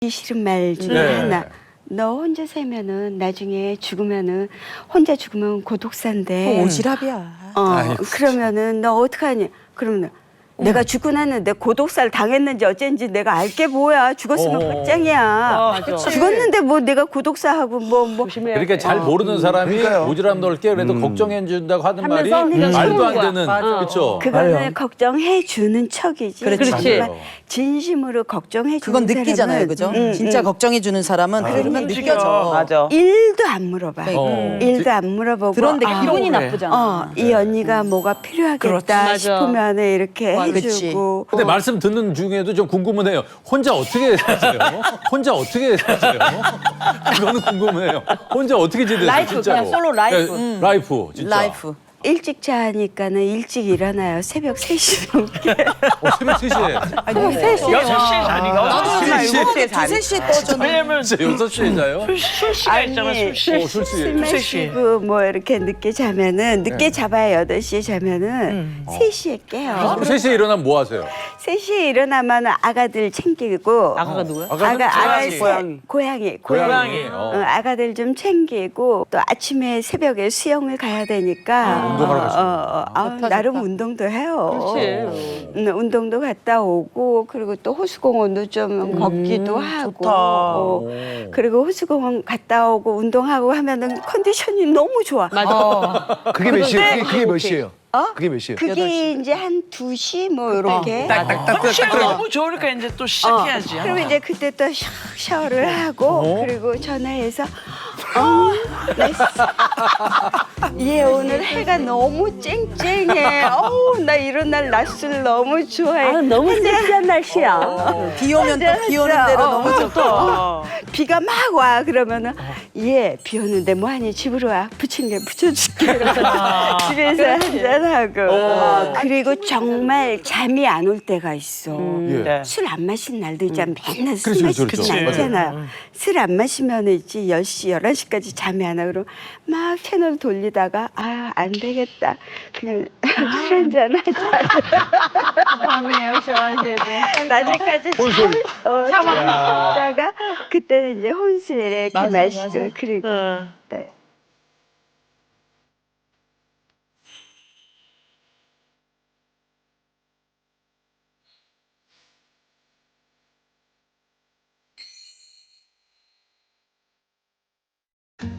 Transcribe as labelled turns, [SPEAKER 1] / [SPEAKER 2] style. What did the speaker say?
[SPEAKER 1] 싫은 말 중에 하나. 너 혼자 살면은 나중에 죽으면은 혼자 죽으면 고독사인데.
[SPEAKER 2] 오지랖이야.
[SPEAKER 1] 그러면은 너 어떡하니? 그러면 내가 죽고 났는데 고독사를 당했는지 어쩐지 내가 알게 뭐야. 죽었으면 끝장이야. 죽었는데 뭐 내가 고독사하고 뭐.
[SPEAKER 3] 그러니까 잘 모르는 사람이 오지랖 넓게 그래도 걱정해 준다고 하는 말이 말도 안 되는 그렇죠.
[SPEAKER 1] 그거는 걱정해 주는 척이지.
[SPEAKER 2] 그렇지.
[SPEAKER 1] 정말 진심으로 걱정해 주는
[SPEAKER 2] 그건 느끼잖아요, 그죠? 진짜 걱정해 주는 사람은 그러면 느껴져.
[SPEAKER 4] 맞아.
[SPEAKER 1] 일도 안 물어봐. 일도 안 물어보고.
[SPEAKER 2] 그런데
[SPEAKER 5] 기분이 나쁘잖아.
[SPEAKER 1] 이 언니가 뭐가 필요하겠다 싶으면 이렇게
[SPEAKER 2] 그렇지.
[SPEAKER 1] 해주고.
[SPEAKER 3] 근데 말씀 듣는 중에도 좀 궁금은 해요. 혼자 어떻게 사세요? 혼자 어떻게 사세요? 그거는 궁금해요. 혼자 어떻게 지내세요?
[SPEAKER 5] 라이프,
[SPEAKER 3] 진짜로.
[SPEAKER 5] 그냥 솔로 라이프.
[SPEAKER 3] 네, 라이프, 진짜.
[SPEAKER 2] 라이프.
[SPEAKER 1] 일찍 자니까는 일찍 일어나요. 새벽 3시 넘게.
[SPEAKER 3] 새벽 3시에.
[SPEAKER 5] 새벽 3시에.
[SPEAKER 4] 6시에 자니까.
[SPEAKER 2] 나도
[SPEAKER 4] 7시에
[SPEAKER 2] 두세 시에 떠졌는데.
[SPEAKER 4] 왜냐면
[SPEAKER 3] 진짜 6시에 자요?
[SPEAKER 4] 술 시간 있잖아, 술 시.
[SPEAKER 3] 술 시에.
[SPEAKER 1] 술 마시고 뭐 이렇게 늦게 자면은 늦게 잡아야 8시에 자면은 3시에 깨요.
[SPEAKER 3] 3시에 일어나면 뭐 하세요?
[SPEAKER 1] 3시에 일어나면 아가들 챙기고
[SPEAKER 4] 아가가 누구야?
[SPEAKER 1] 고양이.
[SPEAKER 4] 고양이.
[SPEAKER 1] 아가들 좀 챙기고 또 아침에 새벽에 수영을 가야 되니까
[SPEAKER 3] 운동하러 가시고.
[SPEAKER 1] 나름 운동도 해요.
[SPEAKER 4] 그렇지.
[SPEAKER 1] 운동도 갔다 오고 그리고 또 호수공원도 좀 걷기도 하고 그리고 호수공원 갔다 오고 운동하고 하면은 컨디션이 너무 좋아.
[SPEAKER 6] 그게 몇 시예요? 그게 몇 시예요? 그게 몇 시예요?
[SPEAKER 1] 그게 이제 한 2시 뭐 이렇게.
[SPEAKER 4] 컨디션이 너무 좋으니까 이제 또 시작해야지.
[SPEAKER 1] 그러면 이제 그때 또 샤워를 하고 그리고 전화해서 얘 오늘 해가 너무 쨍쨍해. 나 이런 날 낮술 너무 좋아해.
[SPEAKER 5] 너무 섹시한 날씨야.
[SPEAKER 2] 비 오면 또 비 오는 대로 너무 좋고.
[SPEAKER 1] 비가 막 와. 그러면은 얘 비 오는데 뭐하니 집으로 와. 부침개 부쳐줄게. 집에서 한잔하고. 그리고 정말 잠이 안 올 때가 있어.
[SPEAKER 4] 네.
[SPEAKER 1] 술 안 마신 날도 있잖아. 맨날 술
[SPEAKER 3] 그렇죠,
[SPEAKER 1] 마시진
[SPEAKER 3] 그렇죠.
[SPEAKER 1] 않잖아. 술 안 마시면 있지 10시, 11시까지 잠이 안 와. 그럼 막 채널 돌리다가 안 되겠다. 그냥 술 한잔 하자. 밤에 오셔가지고 낮에까지 참았다가 그때는 이제 혼술 이렇게 마시고 그리고 네.